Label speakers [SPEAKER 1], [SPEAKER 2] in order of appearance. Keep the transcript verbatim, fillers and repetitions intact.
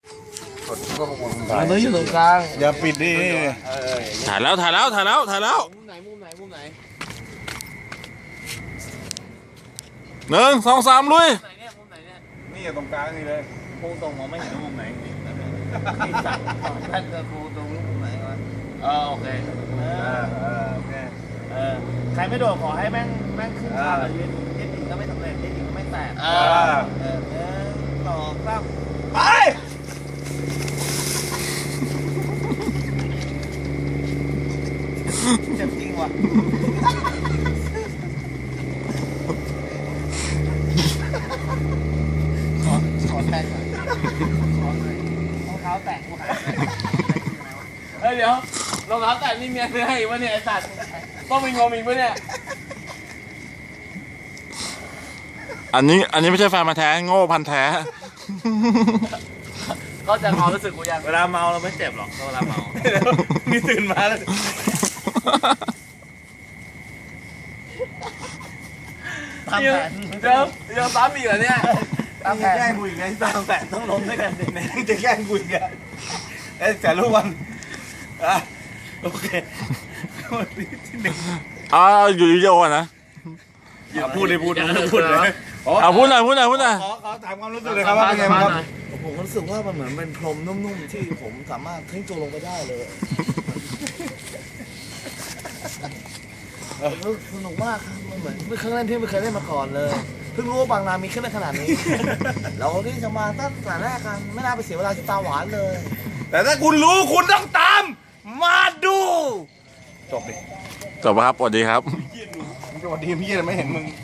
[SPEAKER 1] อันนี้อยู่ตรงกลาง
[SPEAKER 2] อย่าปิดดิ
[SPEAKER 3] ถ่ายแล้วถ่ายแล้วถ่ายแล้วถ่ายแล้ว
[SPEAKER 1] มุมไหนมุมไหนมุมไหน
[SPEAKER 3] หนึ่งสองสามลุย
[SPEAKER 1] ไหนเนี่ยมุมไหนเนี่ย
[SPEAKER 2] นี่ตรงกลางนี่เลย
[SPEAKER 1] มุมตรงมองไม่เห็นว่ามุมไหนไอ้สัตว์ท่านจะมุมตรงมุมไหนวะเออโอเคเอ
[SPEAKER 2] เอ
[SPEAKER 1] อ
[SPEAKER 2] อเออโอเค
[SPEAKER 1] เออใครไม่โดดขอให้แม่งแม่งขึ้นขาเลยเย็ดหญิงก็ไม่สำเร็จเย็ดหญิงก็ไม่แตกเออเออเออสองสามไป เจ็บจริงว่ะขอขอแตกหน่อยขอหน่อยรองเท้าแตกกูหายเฮ้ยเดี๋ยวรองเท้าแตกนี่เมียซื้อให้อีกวะเนี่ยไอ้สัตว์ต้องมีงมอีกวะเนี่ย
[SPEAKER 3] อันนี้อันนี้ไม่ใช่แฟนมาแท้โง่พันแท้
[SPEAKER 1] ก็จะความรู้สึกกูยังเวลาเมาเราไม่เจ็บหรอกเวลาเมา
[SPEAKER 2] มีตื่นมาแล้ว
[SPEAKER 1] ตามแผนเดี๋ยวยังซ้ำอีกเหรอเนี่ยตามแผน
[SPEAKER 2] แกล้งกูอีกไงตามแผนต้องล้มด้วยกันเนี่ยจะแกล้งกูอีกอ่ะเอ้ยแต่รู้วันอ่ะโอเควันนี้ที่หนึ่ง
[SPEAKER 3] อ่าอยู่วิดีโออ่ะนะ
[SPEAKER 2] อย่าพูดเลยพูดเลยพูดเลย
[SPEAKER 3] เอาพูดหน่อยพูดหน่อยพูดหน่อย
[SPEAKER 2] ขอขอถามความรู้สึกเลยครับว่าเป็นไงบ้างครับ
[SPEAKER 4] ผมรู้สึกว่ามันเหมือนเป็นพรมนุ่มๆที่ผมสามารถทิ้งตัวลงไปได้เลยสนุกมากครับมันเหมือนเป็นเครื่องเล่นที่ไม่เคยเล่นมาก่อนเลยเพิ่งรู้ว่าบางนามีเครื่องเล่นขนาดนี้ เราที่จะมาตั้งแต่แรกกันไม่น่าไปเสียเวลาที่ตาหวานเลย
[SPEAKER 2] แต่ถ้าคุณรู้คุณต้องตาม มาดูจบดิ
[SPEAKER 3] จบครับสวัสดีครับ
[SPEAKER 2] สวัสดีพี่ไม่เห็นมึง